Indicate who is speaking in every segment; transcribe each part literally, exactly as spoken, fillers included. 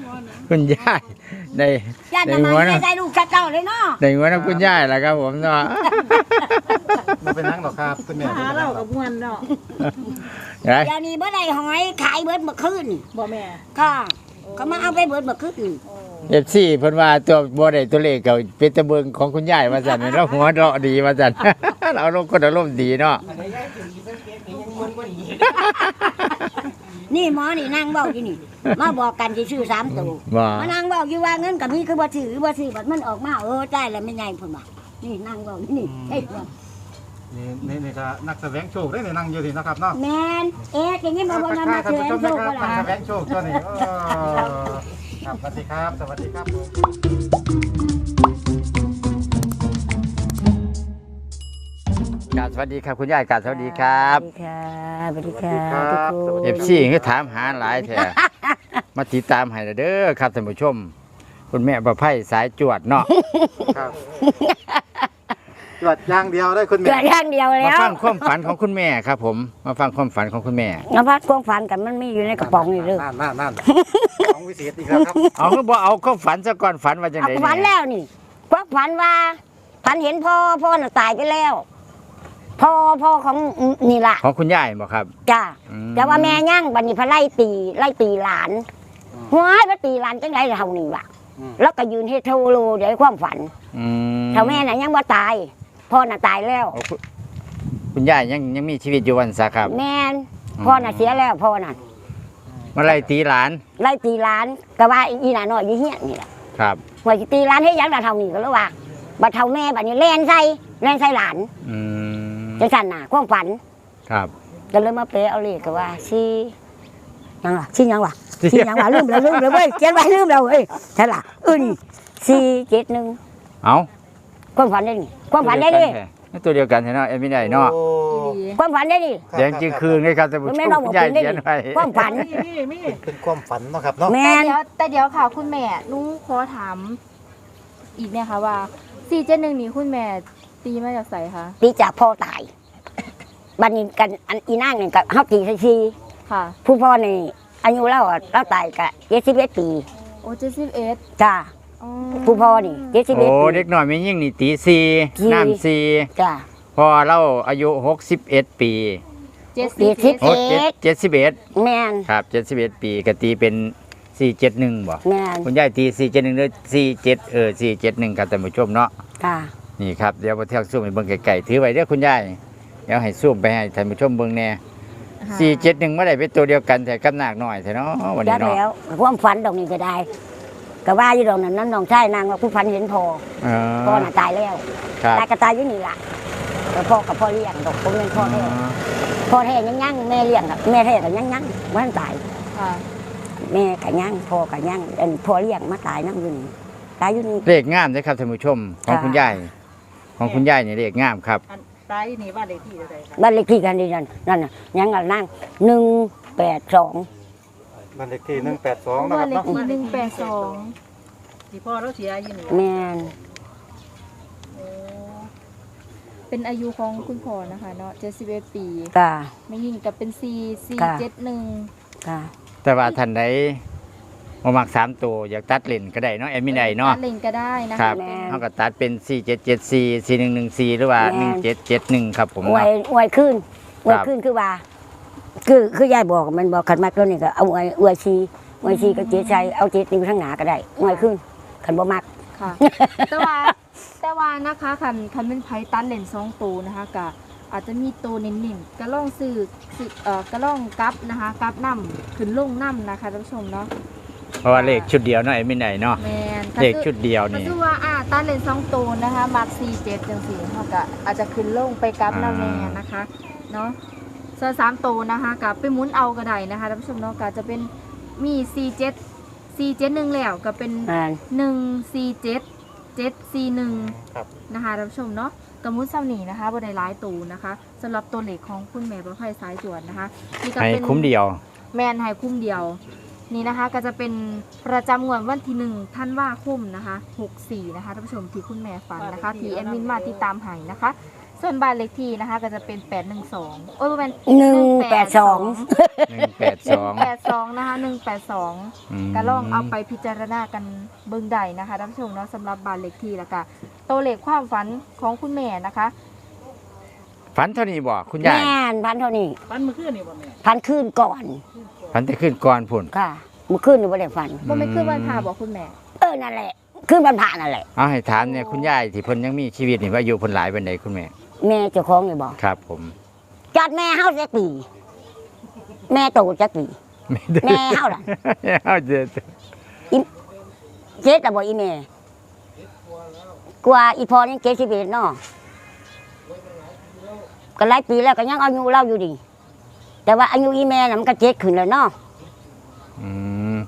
Speaker 1: คุณยายในในหัวนะ
Speaker 2: ใจลูกจัดเจ้าเลยเนาะ
Speaker 1: ในหัวนะคุณยายแหละครับผมเนาะ
Speaker 3: มันเป็นนั่งหรอครับคุณแม่
Speaker 4: หาเรากับมวนเนาะ
Speaker 1: เดี๋
Speaker 2: ยวนี้เมื่อไรหอยขายเบิดเมื่อคืน
Speaker 4: บ่แม่
Speaker 2: ค่ะเขามาเอาไปเบิดเมื่อคืน
Speaker 1: เอฟซีเพิ่นว่าตัวบ่ได้ตัวเลขก็เป็นตะเบิงของคุณยายว่าซั่นแล้วหัวเราะดีว่าซั่นเราลงคนอารมณ์ดีเนาะ
Speaker 2: นี่หมอนี่นั่งเบ้าอยู่นี่มาบอกกันที่ชื่อสามตัวมานั่งเบ้าอยู่ว่าเงินกับมีคือบ่ซื้อบ่ซื้อบัดมันออกมาเออใจแล้วไม่ใหญ่พุ่นว่านี่นั่งเบ้านี่เฮ้ย
Speaker 3: นี่นี่นี่ก็นักแสวงโชคได้ในนั่งอยู่ที่นะครับเนาะ
Speaker 2: แมนเอ๊ะอย่างนี้มาบนนักแสวงโชคก็ล่ะ
Speaker 3: นักแสวงโชคตัวนี้ครับสวัสดีครับสวัสดีครับ
Speaker 1: กราบสวัสดีครับคุณยายกราบสวัสดีครับ
Speaker 2: สวัสดีค่ะสวัสดีค่ะทุกคน
Speaker 1: เอฟซีคือถามหาหลายแท้มาติดตามให้เด้อครับท่านผู้ชมคุณแม่ประไพสายจวดเนาะ
Speaker 3: ครับจวดอย่างเดียวได้คุณแม่
Speaker 2: จวดอย่างเดียวแล้ว
Speaker 1: มาฟังความฝันของคุณแม่ครับผมมาฟังความฝันของคุณแม่
Speaker 2: มาพักความฝันกันมันมีอยู่ในกระป๋องนี่เด้อ
Speaker 3: นั่นนั่นนั่นของวิเศษอีกแล้วครับ
Speaker 1: เอาคือบ่เอาความฝันซะก่อนฝันว่าจังได๋
Speaker 2: ฝันแล้วนี่พวกฝันว่าฝันเห็นพ่อพ่อน่ะตายไปแล้วพ่อพ่อของนี่ล่ะ
Speaker 1: ของคุณยายบ่ครับ
Speaker 2: จ้าแต่ว่าแม่ย่างบัดนี้พระไล่ตีไล่ตีหลานหัวพระตีหลานจังได๋เฮานี่ว่ะแล้วก็ยืนเฮ็ดโทโลเดี๋ยวความฝันเท่าแม่น่ะยังบ่ตายพ่อน่ะตายแล้ว
Speaker 1: คุณยายยังยังมีชีวิตอยู่วันซะครับ
Speaker 2: แม่นพ่อน่ะเสียแล้วพ่อน่ะ
Speaker 1: มาไล่ตีหลาน
Speaker 2: ไล่ตีหลานก็ว่าอีหลานน้อยอยู่เฮียนี่แหละ
Speaker 1: ครับ
Speaker 2: ว่าสิตีหลานเฮ็ดหยังล่ะเท่านี้ก็เลยว่าบัดเท่าแม่บัดนี้แล่นใส่แล่นใส่หลาน
Speaker 1: อืม
Speaker 2: จังซั่นน่ะความฝัน
Speaker 1: ครับ
Speaker 2: ก็เลยมาเปเอาเลขก็ว่าสิยังล่ะสิยังวะสิยังวะลืมแล้วลืมแล้วเว้ยเขียนไว้ลืมแล้วเว้ยใช่ล่ะเออนี่สี่เจ็ดหนึ่ง
Speaker 1: เอ้า
Speaker 2: ความฝันได้นี่ความฝันได้ดิ
Speaker 1: ตัวเดียวกันเนาะเอ็มไม่ได้เนาะ
Speaker 2: ความฝันได้ดิ
Speaker 1: แดงจืดคืนเลยครับแต่ผมคุณยายเขียนไว้
Speaker 2: ความฝัน
Speaker 3: เป็นความฝันเนาะครับเนาะ
Speaker 4: แต่เดี๋ยวแต่เดี๋ยวค่ะคุณแม่นุ้ขอถามอีกเนี่ยค่ะว่าสี่เจ็ดหนึ่งนี้คุณแม่ตีมาจากไสคะ
Speaker 2: ตีจากพ่อตายบัดนี้กันอันอีนางนี่ก็เฮาตีซี
Speaker 4: ค่ะ
Speaker 2: ผู้พ่อนี่อายุแล้วเราตายก็เจ็ดสิบเอ็ดปี
Speaker 4: โอ้เจ็ดสิบเอ็ด
Speaker 2: จ้าผู้พ่อนี่เจ็ดสิบเอ็ด
Speaker 1: โอ้เด็กน้อยไม่ยิ่งนี่ตีสี่น้ำสี่
Speaker 2: จ้า
Speaker 1: พอเราอายุหกสิบเอ็ดปี
Speaker 4: เจ็ดสิบเอ็ด
Speaker 1: เจ็ดสิบเอ็ด
Speaker 2: แม่น
Speaker 1: ครับเจ็ดสิบเอ็ดปีก็ตีเป็นสี่เจ็ดหนึ่งบ่
Speaker 2: แม่น
Speaker 1: คุณยายตีสี่เจ็ดหนึ่งหรือสี่เจ็ดเออสี่เจ็ดหนึ่งครับท่านผู้ชมเนาะ
Speaker 2: ค่ะ
Speaker 1: นี่ครับเดี๋ยวมาเที่ยวซูมไปเบิ่งไก่ๆถือไว้เด้อคุณยายเดี๋ยวให้ซูมไปให้ท่านผู้ชมเบิ่งแน่สี่เจ็ดหนึ่งเมื่อไหร่เป็นตัวเดียวกันแต่กำหนักหน่อยแต่เนาะวันนี้เนาะ
Speaker 2: แล้วความฝันดอกนี้ก็ได้ก็ว่าอยู่ดอกนั้นนั้นน้องชายนางว่าผู้ฝันเห็นพ่อพ่อน่ะตายแล้วตายก็ตายอยู่นี่ล่ะแต่พ่อกับพ่อเลี้ยงดอกผมเป็นพ่อแท้พ่อแท้ยังยังแม่เลี้ยงแม่แท้ก็ยังยังมันตายแม่ก็ยังพ่อก็ยังอันพ่อเลี้ยงมาตายนั่งอยู่นี่ตายอยู่นี่
Speaker 1: เลขงามเลยครับท่านผู้ชมของคุณยายของคุณยายเนี่ยเลขงามครับ
Speaker 4: ตายนี่บ้านเลขที่อะไรครับ
Speaker 2: บ้านเลขที่กันดีนั่นนั่นน่ะยังกันนั่งหนึ่งแปดสอง
Speaker 3: บ้านเลขที่หนึ่งแปดสองนะค
Speaker 4: รั
Speaker 3: บเนาะ
Speaker 4: บ้านเลขที่หนึ่งแปดสองที่พ่อเราเสียอยู่นี่
Speaker 2: แม่น
Speaker 4: เป็นอายุของคุณพ่อนะคะเนาะเจ็ดสิบเอ็ดปี
Speaker 2: ค่ะ
Speaker 4: ไม่ยิ่งกับเป็นสี่สี่เจ็ดหนึ่ง
Speaker 2: ค่ะ
Speaker 1: แต่ว่าท่านใดมามักสามตัวอยากตัดเลนก็ได้เนาะแอดมินได้เนาะ
Speaker 4: ตัดเลนก็ได้นะคะ
Speaker 1: ครับเขาก็ตัดเป็นสี่เจ็ดเจ็ดสี่สี่หนึ่งหนึ่งสี่หรือว่าหนึ่งเจ็ดเจ็ดหนึ่งครับผม
Speaker 2: อวยอวยขึ้นอวยขึ้นคือว่าคือคือยายบอกมันบอกขันมากตัวนี้ก็เอาอวยอวยชีอวยชีก็เจ๊ใจเอาเจ๊ติวทั้งหนาก็ได้อวยขึ้นขันบ่มัก
Speaker 4: ค่ะแต่ว่าแต่ว่านะคะคันคันเป็นไพ่ตัดเลนสองตัวนะคะกะอาจจะมีตัวเน้นๆกระล่องสื่อเอ่อกระล่องกับนะคะกับน้ำขึ้นลงน้ำนะคะท่านผู้ชมเนาะ
Speaker 1: เพราะว่าเลขชุดเดียวเนาะไอ้ไม่ไหนเนาะเลขชุดเดียวนี่
Speaker 4: ก็คือว่าอ่าตัดเลนสองตัวนะคะมาร์คสี่เจ็ดจังสี่เขาก็อาจจะขึ้นลงไปกับน้ำแน่นะคะเนาะส่วนสามตัวนะคะกับไปหมุนเอากระไดนะคะท่านผู้ชมเนาะก็จะเป็นมีสี่เจ็ดสี่เจ็ดหนึ่งแล้วก็เป็นหนึ่งสี่เจ็ดเจ็ดสี่หนึ่งนะคะท่านผู้ชมเนาะกระมุนซ้ำหนีนะคะบนในร้ายตูนะคะสำหรับตัวเลขของคุณแม่ประภัยสายจวนนะคะ
Speaker 1: นี่ก็เป็นคุ้มเดียว
Speaker 4: แมนให้คุ้มเดียวนี่นะคะก็จะเป็นประจำงวดวันที่หนึ่งท่านว่าคุ้มนะคะหกสี่นะคะท่านผู้ชมที่คุณแม่ฝันนะคะที่แอดมินมาติดตามให้นะคะส่วนบ้านเลขที่นะคะ ก็จะเป็นแปดหนึ่งสองโอ้ยเป็น
Speaker 2: หนึ่งแปดสอง
Speaker 1: หนึ่งแปดสอง
Speaker 4: แปดสองนะคะหนึ่งแปดสองก็ลองเอาไปพิจารณากันเบิ่งใดนะคะท่านผู้ชมเนาะสำหรับบ้านเลขที่แล้วก็ตัวเลขความฝันของคุณแม่นะคะ
Speaker 1: ฝันเท่านี้บ่คุณยาย
Speaker 2: แม่นพันเท่านี้
Speaker 3: ฟันมือขึ้นนี่บ่แม่
Speaker 2: พันคืนก่อน
Speaker 1: ฝันแต่ขึ้นก่อนพุ่น
Speaker 2: ค่ะเมื่อคืนนี่บ่ได้ฝัน
Speaker 4: บ่ไม่คือวันพาบอกคุณแม่
Speaker 2: เออนั่นแหละคืนวันพระนั่นแหละ
Speaker 1: เอาให้ถามเนี่ยคุณยายที่เพิ่นยังมีชีวิตนี่ว่าอายุเพิ่นหลายปานใดคุณแม่
Speaker 2: แม่เจ้าของนี่บอก
Speaker 1: ครับผม
Speaker 2: จัดแม่เฮาจักปีแม่โตจักปี แม่เฮาล่ะ
Speaker 1: เฮาเด้อ
Speaker 2: เจ็ดแต่บ่อีแม่กว่าอีพอยังเจ็ดสิบเอ็ดเนาะก็หลายปีแล้วก็ยังอายุเล่าอยู่ดี แต่ว่าอายุอีแม่น่ะมันก็เจ็ดขึ้นแล้วเนาะ
Speaker 1: อืม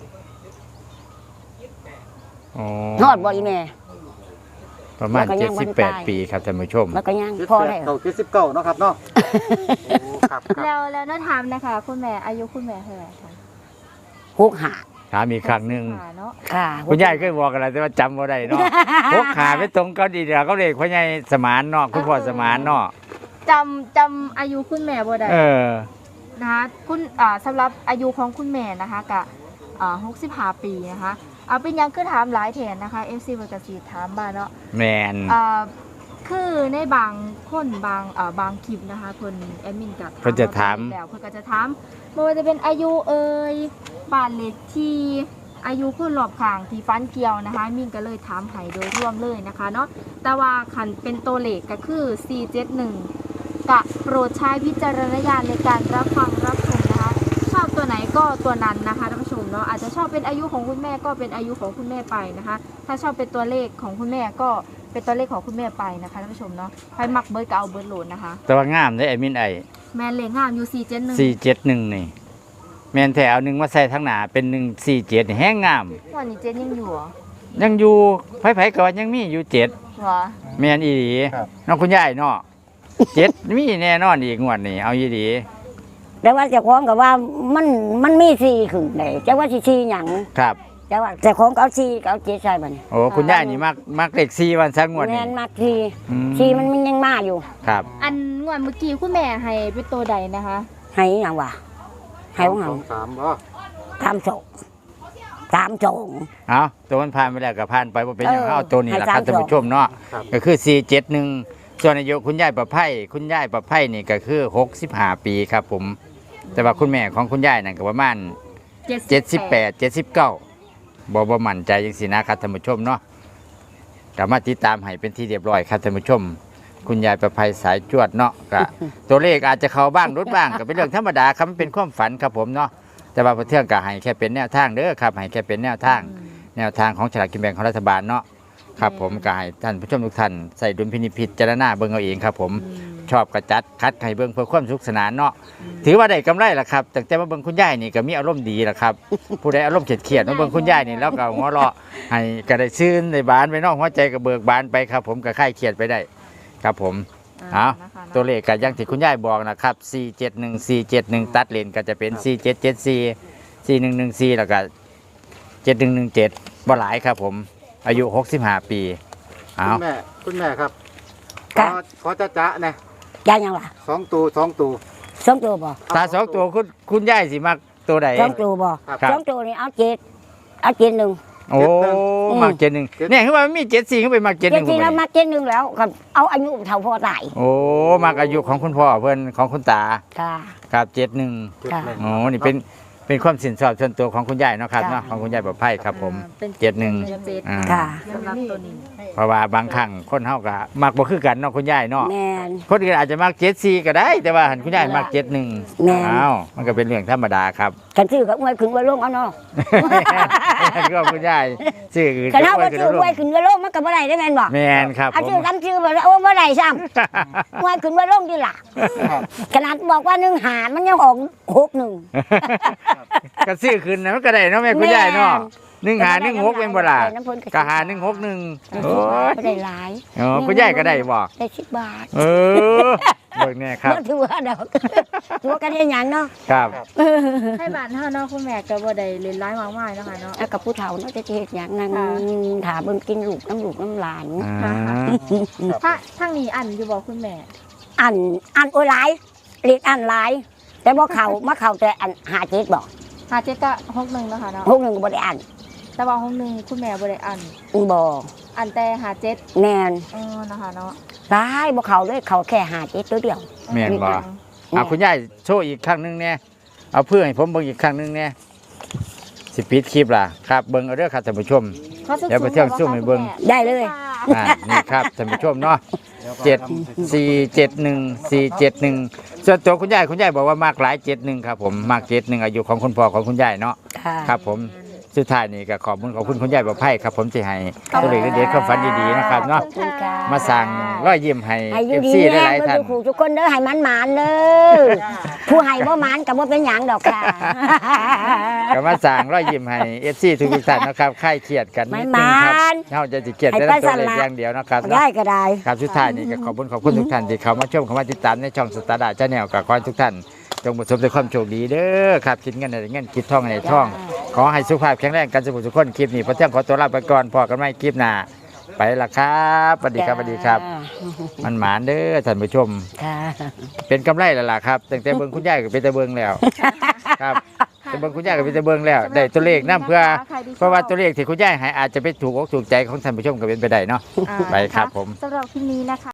Speaker 1: อ๋อ
Speaker 2: ฮอดบ่อีแม่
Speaker 1: ประมาณ
Speaker 2: แล้วก็ยังบ่ได้
Speaker 1: เจ็ดสิบแปดปีครับท่านผู้ชม
Speaker 2: มันก็ยัง
Speaker 3: เจ็ด
Speaker 2: พอ
Speaker 3: แป
Speaker 2: ได้
Speaker 3: ดเก้าเจ็ดสิบเก้าเนาะครับเนาะโอ้ครับครับ
Speaker 4: แล้วแล้วน้าถามนะคะคุณแม่อายุคุณแม่เท่าไหร่คะ
Speaker 2: หกหา
Speaker 1: ถามอีกครั้งหนึง
Speaker 4: ค่ะเนาะ
Speaker 2: ค่ะ
Speaker 1: คุณยายเคยบอกอะไรแต่ว่าจำบ่ได้เนาะ พกขาไปตรงเกาดีเดียวก็เลยพ่อใหญ่สมานเนาะคุณพ่อสมานเนาะ
Speaker 4: จำจำอายุคุณแม่บ่ได้
Speaker 1: เออ
Speaker 4: นะคะคุณอ่าสำหรับอายุของคุณแม่นะคะกะอ่าหกสิบห้าปีนะคะเอาเป็นหยังคือถามหลายแทนนะคะ เอฟ ซี เวอร์กสีถามมาเนาะ
Speaker 1: แมน
Speaker 4: อ่าคือในบางคนบางอ่าบางคลิปนะคะคนแอดมินกับ
Speaker 1: เพิ่นจะถาม
Speaker 4: แล้วเพิ่นก็จะถามไม่ว่าจะเป็นอายุเอ่ยบ้านเลขที่อายุคนรอบข้างที่ฟันเกี่ยวนะคะมินก็เลยถามให้โดยรวมเลยนะคะเนาะแต่ว่าคันเป็นตัวเลขก็คือสี่เจ็ดหนึ่งกะโปรดใช้วิจารณญาณในการรับฟังรับชมนะคะชอบตัวไหนก็ตัวนั้นนะคะท่านผู้ชมเนาะอาจจะชอบเป็นอายุของคุณแม่ก็เป็นอายุของคุณแม่ไปนะคะ ถ้าชอบเป็นตัวเลขของคุณแม่ก็เป็นตัวเลขของคุณแม่ไปนะคะท่านผู้ชมเนาะใครมักเบิร์ดก็เอาเบิร์ดโหลดนะคะ
Speaker 1: แต่ว่างามได้ไอ้มินไอ
Speaker 4: แมนเลขงามอยู่สี่เจ็ดหนึ่ง
Speaker 1: สี่เจ็ดหนึ่งนี่ แมนแถวหนึ่งมาใส่ทั้งหนาเป็นหนึ่งสี่เจ็ดแห้งงาม
Speaker 4: วันนี้เจ็ดยังอยู่เหรอ
Speaker 1: ยังอยู่ไผๆก็ว่ายังมีอยู่เจ็ด
Speaker 4: เหรอ
Speaker 1: แมนอีหลี
Speaker 3: ครับ
Speaker 1: น้องคุณยายเนาะเจ็ดมีแน่นอนอีกงวดนี่เอาอีหลี
Speaker 2: แต่ว่าเจ้าของก็ว่ามันมันมีสี่ขึ้นได้แต่ว่าสิสี่หยัง
Speaker 1: ครับ
Speaker 2: แต่ว่าเจ้าของก็เอาสี่ก็เอาเจ็ดใส่บัดนี้
Speaker 1: โอ้คุณยายนี่มักมักเลขสี่วันสักงวด
Speaker 2: แม่
Speaker 1: นี่
Speaker 2: นมากสี่
Speaker 1: อืม
Speaker 2: สี่มันมันยังมาอยู่
Speaker 1: ครับ
Speaker 4: อันงวดเมื่อกี้คุณแม่ให้เป็นตัวใดนะคะ
Speaker 2: ให้หยังวะให้ของ
Speaker 3: ส
Speaker 2: เฮา
Speaker 3: องสามบ่
Speaker 2: ตามโจงตามโจง
Speaker 1: เอาตัวมันผ่านไปแล้วก็ผ่านไปว่าเป็นอย่าง
Speaker 2: เออ
Speaker 1: เอาตัวนี้แหละครับ
Speaker 2: ให้
Speaker 1: ท่าน
Speaker 2: สาม
Speaker 1: ผู้ชมเนาะ
Speaker 3: ครับ
Speaker 1: ก็คือสี่เจ็ดหนึ่งส่วนอายุคุณยายประไพคุณยายประไพนี่ก็คือหกสิบห้าปีครับผม แต่ว่าคุณแม่ของคุณยายนั่นก็ประมาณเจ็ดสิบแปดเจ็ดสิบเก้าบ่บ่มั่นใจจังสินะครับท่านผู้ชมเนาะก็มาติดตามให้เป็นที่เรียบร้อยครับท่านผู้ชม คุณยายประไพสายจวดเนาะก็ ตัวเลขอาจจะเข้าบ้างลดบ้างก็เป็นเรื่องธรรมดาครับมันเป็นความฝันครับผมเนาะแต่ว่าพระเทื่องก็ให้แค่เป็นแนวทางเด้อครับให้แค่เป็นแนวทาง แนวทางของฉลากกินแบ่งของรัฐบาลเนาะครับผมก็ให้ท่านผู้ชมทุกท่านใส่ดุลพินิจพิจารณาเบิ่งเอาเองครับผมชอบกระจัดคัดให้เบิ่งเพื่อความสุขสนานเนาะถือว่าได้กำไรล่ะครับแต่แต่มาเบิ่งคุณยายนี่ก็มีอารมณ์ดีล่ะครับ ผู้ใดอารมณ์เครียดๆมาเบิ่งคุณยายนี่แล้วก็หัวเราะให้ก็ได้ชื่นในบานไปเนอกหัวใจก็เบิกบานไปครับ ผมก็คลายเครียดไปได้ ครับผม เอา
Speaker 4: นะคะ
Speaker 1: ตัวเลขก็อยังที่คุณยายบอกนะครับสี่เจ็ดหนึ่ง สี่เจ็ดหนึ่งตัดเลนก็จะเป็นสี่เจ็ดเจ็ดสี่ สี่หนึ่งหนึ่งสี่แล้วก็เจ็ดหนึ่งหนึ่งเจ็ดบ่หลายครับผม อายุหกสิบห้าปี เอา
Speaker 3: คุณแม่คุณแม่ครับข
Speaker 2: ครั
Speaker 3: อบ ขอจ้าจ้าเนี่ย
Speaker 2: ยายยังวะ
Speaker 3: สองตัวสองตัว
Speaker 2: สองตัวบ่
Speaker 1: ตาสองตัวคุณคุณยายสิมักตัวใด
Speaker 2: สองตัวบ่
Speaker 1: ครับ
Speaker 2: สองตัวนี่เอาเจ็ดเอาเจ็ดหนึ่ง
Speaker 1: โอ้
Speaker 2: อืม
Speaker 1: มักเจ็ดหนึ่งเนี่ยคือว่ามันมีเจ็ดสี่ขึ้นไปมักเจ็ดห
Speaker 2: เจ็ด
Speaker 1: นึ่ง
Speaker 2: สี่แล้วมาเจ็ดหนึ่งแล้วก็เอาอายุเท่าพ่อตาย
Speaker 1: โอ้มักอายุของคุณพ่อเพื่อนของคุณตา
Speaker 2: ค่ะ
Speaker 1: ครับเจ็ดหนึ่ง
Speaker 3: เจ็ด
Speaker 2: ค่ะ
Speaker 3: หนึ่ง
Speaker 1: โอ้นี่เป็นเป็นความสินสอดส่วนตัวของคุณยายเนาะครับ
Speaker 2: จ้ะ
Speaker 1: เนาะของคุณยายประไพครับผม
Speaker 4: อ่าเป็น
Speaker 1: เจ็ดหนึ่ง
Speaker 4: เจ็ด
Speaker 1: อ่า
Speaker 2: ค่ะ
Speaker 4: สำหรับตัวนี้
Speaker 1: เพราะว่าบางครั้งคนเฮาก็มักบ่คือกันเนาะคุณยายเนาะ
Speaker 2: แม่น
Speaker 1: คนอื่นอาจจะมักเจ็ดสี่ก็ได้ แต่ว่าหันคุณยายมักเจ็ดหนึ่ง
Speaker 2: แม่น
Speaker 1: อ้าวมันก็เป็นเรื่องธรรมดาครับ
Speaker 2: กันซื้อกับอวยขึ้นอวยลงเอาเนาะ
Speaker 1: ก็คุณยายชื่ออื่น
Speaker 2: กันเอา
Speaker 1: ก็
Speaker 2: ว่า
Speaker 1: ขึ้น
Speaker 2: ซื้อ
Speaker 1: ล
Speaker 2: อวยขึ้นอวยลงมันก็บ่ได้ได้แม่นบ่
Speaker 1: แมนครับ
Speaker 2: เอา
Speaker 1: ผม
Speaker 2: ชื่อกันชื่อบ่ได้โอ้บ่ได้ซ้ำอวยขึ้นอวยลงดีล่ะขนาดบอกว่าหนึ่งหารมันยังออกหกหนึ่ง
Speaker 1: ก็ซื้อขึ้นนะมันก็ได้เนาะแม่คุณยายเนาะหนึ่งหาหนึ่งหกเป็นบ่ล่ะ
Speaker 2: น้ำเพิ่น
Speaker 1: ก็หาหนึ่งหกหนึ่งโอ้ย
Speaker 2: บ่ได้หลาย
Speaker 1: อ๋อคุณยายก็ได้บ่
Speaker 2: ได้สิบบาท
Speaker 1: เออเบิกแน่ครับ
Speaker 2: บ่ถือว่าดอกถือว่ากันเฮ็ดหยังเนาะ
Speaker 1: ครับ
Speaker 4: ให้บ้านเฮาเนาะคุณแม่ก็บ่ได้เล่นร้ายมากมายเนาะค่ะเนาะ
Speaker 2: แล้วกับผู้เฒ่าเนาะจะเฮ็ดหยังนั่ง
Speaker 4: ค่ะ
Speaker 2: ถาเบิ่งกินลูกน้ำลูกน้ำหลาน
Speaker 1: อ่า
Speaker 4: ถ้าทางนี้อันอยู่บ่คุณแม่
Speaker 2: อันอันโอ้ยหลายเรียกอันหลาย แต่บ่เข้ามาเข้าแต่อันหาเจ็ดบ่
Speaker 4: ห้าเจ็ดก็หกหนึ่งเนาะค่ะเนาะ
Speaker 2: พวกหนึงก็บ่ได้อัน
Speaker 4: แต่ว่าหกหนึ่งคุณแม่บ่ได้อัน
Speaker 2: บ่
Speaker 4: อันแต่ห้าเจ็ด
Speaker 2: แม่น
Speaker 4: อ๋อนะคะเนาะ
Speaker 2: หลายบ่เข้าเลยเข้าแค่หาเจ็ดตัวเดียว
Speaker 1: แม่นบ่เอาคุณยายโชว์อีกครั้งหนึงเนี่ยเอาเพื่อให้ผมเบิ่งอีกครั้งหนึงเนี่ยสิปิดคลิปล่ะครับเบิ่งเอาเด้อครับท่านผู้ชม
Speaker 4: ขาสุ
Speaker 1: เดี๋ยวไปเที่ยวซุ่มให้เบิ่ง
Speaker 2: ได้เลย
Speaker 1: อ่านี่ครับท่านผู้ชมเนาะเจ็ดสี่เจ็ดหนึ่งสี่เจ็ดหนึ่งส่วนตัวคุณยายคุณยายบอกว่ามากหลายเจ็ดหนึ่งครับผมมากเจ็ดหนึ่งอายุของคุณพ่อของคุณยายเนาะ
Speaker 2: ค่ะ
Speaker 1: ครับผมสุดท้ายนี่ก็ขอบคุณขอบคุณคุณยายประไพครับผมที่ให้ตัวเลขเด็ดๆความฝันดีๆนะครับเนาะ
Speaker 2: ขอบคุณค่ะ
Speaker 1: มาสั่งร้อยยิ้มให้
Speaker 2: ให้อ
Speaker 1: เอยู่ ฟ
Speaker 2: ดี
Speaker 1: ซี
Speaker 2: แน่
Speaker 1: หลาย
Speaker 2: เบิ่
Speaker 1: ๆท่าน
Speaker 2: งทุกคนเด้อให้มันหมานเด้อผู้ให้บ่หมานก็บ่เป็นหยังดอกค่ะ
Speaker 1: ก็มาสั่งร้อยยิ้มให้เอฟซีทุกๆท่านนะครับคลายเครียดกันนิดนึงครับ
Speaker 2: ไม่หมาน
Speaker 1: เฮาจะสิเครียดแต่ละตัวเลขอย่างเดียวนะครับเนาะ
Speaker 2: ได้ก็ได้
Speaker 1: ครับสุดท้ายนี่ก็ขอบคุณขอบคุณทุกท่านที่เข้ามาชมเข้ามาติดตามในช่องสตาร์ดาชาแนลกับขอให้ทุกท่านจงประสบแต่ความโชคดีเด้อครับคิดเงินอะไรเงินคิดทองอะไรทอง ขอให้สุขภาพแข็งแรงกันสุขทุกคนคลิปนี้พอเที่ยงขอตัวลาไปก่อนพอกันไม่คลิปหน้าไปละครับสวัสดีครับสวัสดีครับ มันหมานเด้อท่านผู้ชม
Speaker 2: ค่ะ
Speaker 1: เป็นกำไรแล้วล่ะครับตั้งแต่เบิ่งคุณยายก็เป็นแต่เบิ่งแล้วครับแต่เบิ่งคุณยายก็เป็นแต่เบิ่งแล้วได้ตัวเลขนํเพื่อเพราะว่าตัวเลขที่คุณยายให้อาจจะไปถูกอกถูกใจของท่านผู้ชมก็เป็นไปได้เนาะ
Speaker 4: อ่า
Speaker 1: ไปครับผม
Speaker 4: สำหรับคลิปนี้นะคะ